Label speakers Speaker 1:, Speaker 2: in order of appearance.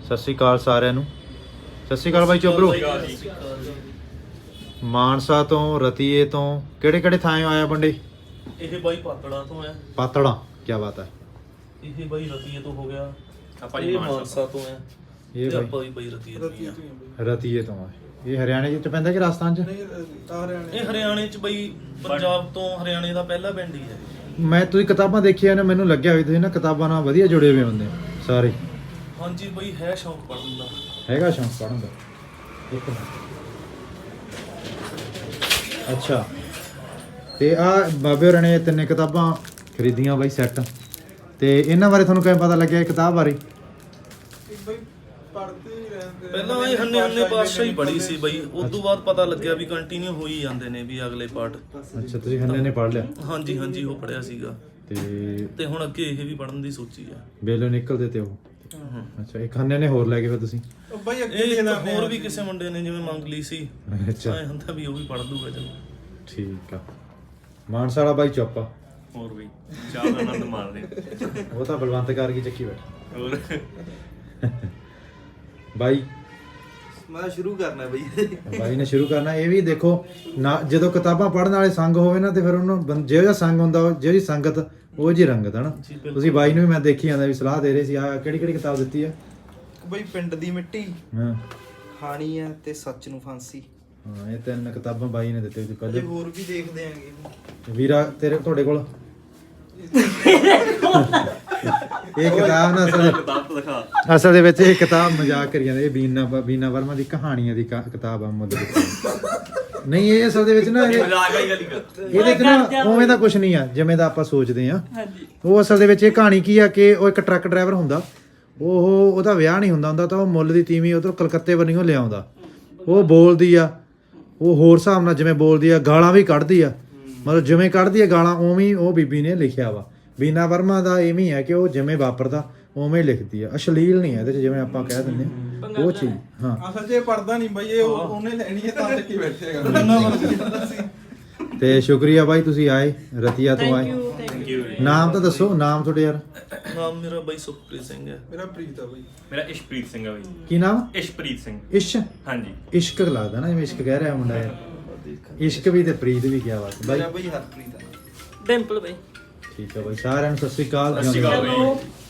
Speaker 1: ਸਤਿ ਸ਼੍ਰੀ ਅਕਾਲ ਸਾਰਿਆਂ ਨੂੰ। ਸਤਿ ਸ਼੍ਰੀ ਅਕਾਲ ਬਾਈ ਚੋਬਰੋ। ਮਾਨਸਾ ਤੋਂ ਰਤੀਏ ਤੋਂ ਕਿਹੜੇ ਥਾਂ ਆਇਆ ਬੰਦੇ?
Speaker 2: ਇਹ ਬਾਈ ਪਾਤੜਾ ਤੋਂ ਹੈ।
Speaker 1: ਪਾਤੜਾ, ਕੀ ਬਾਤ ਹੈ।
Speaker 2: ਇਹ ਬਾਈ ਰਤੀਏ ਤੋਂ ਹੋ ਗਿਆ। ਆਪਾਂ ਜੀ ਮਾਨਸਾ ਤੋਂ ਹੈ।
Speaker 1: ਇਹ
Speaker 2: ਆਪਾਂ ਵੀ ਬਾਈ ਰਤੀਏ ਤੋਂ ਆ।
Speaker 1: ਰਤੀਏ ਤੋਂ ਆ। ਇਹ ਹਰਿਆਣੇ ਚ ਪੈਂਦਾ ਕਿ ਰਾਜਸਥਾਨ ਚ?
Speaker 2: ਇਹ ਹਰਿਆਣੇ ਚ ਬਾਈ, ਪੰਜਾਬ ਤੋਂ ਹਰਿਆਣੇ ਦਾ ਪਹਿਲਾ ਪਿੰਡ ਹੀ ਹੈ।
Speaker 1: ਮੈਂ ਤੁਸੀਂ ਕਿਤਾਬਾਂ ਦੇਖੀਆਂ ਨੇ, ਮੈਨੂੰ ਲੱਗਿਆ ਵੀ ਤੁਸੀਂ ਨਾ ਕਿਤਾਬਾਂ ਨਾਲ ਵਧੀਆ ਜੁੜੇ ਹੋਏ ਹੁੰਦੇ ਸਾਰੇ।
Speaker 2: ਹਾਂਜੀ ਬਾਈ, ਹੈ ਸ਼ੌਂਕ ਪੜ੍ਹਨ ਦਾ।
Speaker 1: ਹੈਗਾ ਸ਼ੌਂਕ ਪੜ੍ਹਨ ਦਾ। ਇੱਕ ਮਿੰਟ। ਅੱਛਾ, ਤੇ ਆ ਬਾਬੇ ਹੋਰਾਂ ਨੇ ਤਿੰਨੇ ਕਿਤਾਬਾਂ ਖਰੀਦੀਆਂ ਬਾਈ ਸੈੱਟ। ਤੇ ਇਹਨਾਂ ਬਾਰੇ ਤੁਹਾਨੂੰ ਕਿਵੇਂ ਪਤਾ ਲੱਗਿਆ ਇਹ ਕਿਤਾਬ ਬਾਰੇ?
Speaker 2: ਪਹਿਲਾਂ ਇਹ ਹੰਨੇ ਪਾਤਸ਼ਾਹ ਹੀ ਪੜ੍ਹੀ ਸੀ ਬਾਈ, ਉਸ ਤੋਂ ਬਾਅਦ ਪਤਾ ਲੱਗਿਆ ਵੀ ਕੰਟੀਨਿਊ ਹੋ ਹੀ ਜਾਂਦੇ ਨੇ ਵੀ ਅਗਲੇ ਪਾਰਟ।
Speaker 1: ਅੱਛਾ, ਤੁਸੀਂ ਹੰਨੇ ਨੇ ਪੜ੍ਹ ਲਿਆ?
Speaker 2: ਹਾਂਜੀ ਉਹ ਪੜ੍ਹਿਆ ਸੀਗਾ।
Speaker 1: ਤੇ
Speaker 2: ਹੁਣ ਅੱਗੇ ਇਹ ਵੀ ਪੜ੍ਹਨ ਦੀ ਸੋਚੀ ਆ।
Speaker 1: ਬੇਲੋਂ ਨਿਕਲਦੇ ਤੇ ਉਹ। ਅੱਛਾ, ਇੱਕ ਹੰਨੇ ਨੇ ਹੋਰ ਲੈ ਕੇ ਫਿਰ ਤੁਸੀਂ?
Speaker 2: ਇਹ ਹੋਰ ਵੀ ਕਿਸੇ ਮੁੰਡੇ ਨੇ ਜਿਵੇਂ ਮੰਗ ਲਈ ਸੀ।
Speaker 1: ਅੱਛਾ,
Speaker 2: ਐ ਹੁੰਦਾ ਵੀ ਉਹ ਵੀ ਪੜ੍ਹ ਦੂਗਾ। ਚਲੋ
Speaker 1: ਠੀਕ ਆ। ਮਾਨਸਾ ਵਾਲਾ ਬਾਈ ਚੁੱਪ ਆ।
Speaker 3: ਹੋਰ ਵੀ ਚਾਹ ਦਾ ਆਨੰਦ ਮਾਰਦੇ
Speaker 1: ਉਹ ਤਾਂ ਬਲਵੰਤ ਕਰ ਗਈ ਚੱਕੀ ਬੈਠਾ।
Speaker 3: ਹੋਰ
Speaker 1: ਬਾਈ
Speaker 4: ਮੈਂ ਸ਼ੁਰੂ ਕਰਨਾ
Speaker 1: ਬਾਈ ਨੇ ਸ਼ੁਰੂ ਕਰਨਾ। ਇਹ ਵੀ ਦੇਖੋ ਨਾ, ਜਦੋਂ ਕਿਤਾਬਾਂ ਪੜ੍ਹਨ ਵਾਲੇ ਸੰਗ ਹੋਵੇ ਨਾ ਤੇ ਫਿਰ ਉਹਨੂੰ ਜਿਹੋ ਜਿਹਾ ਸੰਗ ਹੁੰਦਾ, ਜਿਹੀ ਸੰਗਤ ਉਹ ਜਿਹੀ ਰੰਗਤ ਹੈ ਨਾ। ਤੁਸੀਂ ਬਾਈ ਨੂੰ ਵੀ ਮੈਂ ਦੇਖੀ ਜਾਂਦਾ ਵੀ ਸਲਾਹ ਦੇ ਰਹੇ ਸੀ। ਆ ਕਿਹੜੀ ਕਿਤਾਬ ਦਿੱਤੀ ਆ
Speaker 4: ਬਈ? ਪਿੰਡ ਦੀ ਮਿੱਟੀ,
Speaker 1: ਹਾਂ,
Speaker 4: ਖਾਣੀ ਆ ਤੇ ਸੱਚ ਨੂੰ ਫਾਂਸੀ।
Speaker 1: ਹਾਂ, ਇਹ ਤਿੰਨ ਕਿਤਾਬਾਂ ਬਾਈ ਨੇ ਦਿੱਤੇ ਸੀ ਪਹਿਲੇ।
Speaker 4: ਹੋਰ ਵੀ ਦੇਖਦੇ ਆਂਗੇ
Speaker 1: ਵੀਰਾ ਤੁਹਾਡੇ ਕੋਲ ਇਹ ਕਿਤਾਬ ਨਾ ਅਸਲ ਦੇ ਵਿੱਚ ਇਹ ਕਿਤਾਬ ਮਜ਼ਾਕ ਕਰੀ ਜਾਂਦੇ। ਇਹ ਬੀਨਾ ਵਰਮਾ ਦੀ ਕਹਾਣੀਆਂ ਦੀ ਕਿਤਾਬ ਆ ਨਹੀਂ। ਇਹ ਅਸਲ ਦੇ ਵਿੱਚ ਨਾ ਇਹਦੇ ਚ ਨਾ ਉਵੇਂ ਦਾ ਕੁਝ ਨਹੀਂ ਆ ਜਿਵੇਂ ਦਾ ਆਪਾਂ ਸੋਚਦੇ ਆ। ਉਹ ਅਸਲ ਦੇ ਵਿੱਚ ਇਹ ਕਹਾਣੀ ਕੀ ਆ ਕਿ ਉਹ ਇੱਕ ਟਰੱਕ ਡਰਾਈਵਰ ਹੁੰਦਾ। ਉਹਦਾ ਵਿਆਹ ਨਹੀਂ ਹੁੰਦਾ ਤਾਂ ਉਹ ਮੁੱਲ ਦੀ ਤੀਵੀਂ ਉਧਰੋਂ ਕਲਕੱਤੇ ਵੱਲੋਂ ਲਿਆਉਂਦਾ। ਉਹ ਬੋਲਦੀ ਆ, ਉਹ ਹੋਰ ਹਿਸਾਬ ਨਾਲ ਜਿਵੇਂ ਬੋਲਦੀ ਆ, ਗਾਲਾਂ ਵੀ ਕੱਢਦੀ ਆ। ਮਤਲਬ ਜਿਵੇਂ ਕੱਢਦੀ ਆ ਗਾਲਾਂ ਉਵੇਂ ਉਹ ਬੀਬੀ ਨੇ ਲਿਖਿਆ ਵਾ। ਬੀਨਾ ਵਰਮਾ ਦਾ ਇਵੇਂ ਹੈ ਕਿ ਉਹ ਜਿਵੇਂ ਵਾਪਰਦਾ ਉਵੇਂ ਲਿਖਦੀ ਆ। ਅਸ਼ਲੀਲ ਨਹੀਂ ਹੈ ਇਹਦੇ ਚ, ਜਿਵੇਂ ਆਪਾਂ ਕਹਿ ਦਿੰਦੇ ਆ ਉਹ ਚੀਜ਼। ਹਾਂ,
Speaker 4: ਅਸਲ 'ਚ ਇਹ ਪੜਦਾ ਨਹੀਂ ਬਈ, ਇਹ ਉਹਨੇ ਲੈਣੀ ਹੈ ਤਾਂ ਚੱਕੀ ਬੈਠੇਗਾ।
Speaker 1: ਤੇ ਸ਼ੁਕਰੀਆ ਬਾਈ, ਤੁਸੀਂ ਆਏ, ਰਤੀਆ ਤੋਂ ਆਏ। ਨਾਮ ਤਾਂ ਦੱਸੋ, ਨਾਮ ਤੁਹਾਡੇ ਯਾਰ?
Speaker 2: ਨਾਮ ਮੇਰਾ ਬਾਈ ਸੁਖਪ੍ਰੀਤ ਸਿੰਘ ਹੈ।
Speaker 4: ਮੇਰਾ ਪ੍ਰੀਤ ਆ ਬਈ।
Speaker 3: ਮੇਰਾ ਇਸ਼ਪ੍ਰੀਤ ਸਿੰਘ ਆ ਬਈ।
Speaker 1: ਕੀ ਨਾਮ?
Speaker 3: ਇਸ਼ਪ੍ਰੀਤ ਸਿੰਘ। ਹਾਂਜੀ,
Speaker 1: ਇਸ਼ਕ ਲੱਗਦਾ ਨਾ, ਜਿਵੇਂ ਇਸ਼ਕ ਕਹਿ ਰਿਹਾ ਮੁੰਡਾ ਯਾਰ। ਇਸ਼ਕ ਵੀ ਤੇ ਪ੍ਰੀਤ ਵੀ ਕਿਹਾ ਬਾਤ ਬਾਈ।
Speaker 4: ਬਈ ਹਰਪ੍ਰੀਤ ਆ।
Speaker 5: ਡਿੰਪਲ ਬਾਈ।
Speaker 1: ਠੀਕ ਆ ਬਾਈ, ਸਾਰਿਆਂ ਨੂੰ ਸਤਿ ਸ਼੍ਰੀ ਅਕਾਲ।
Speaker 3: ਸਤਿ ਸ਼੍ਰੀ ਅਕਾਲ ਬਾਈ।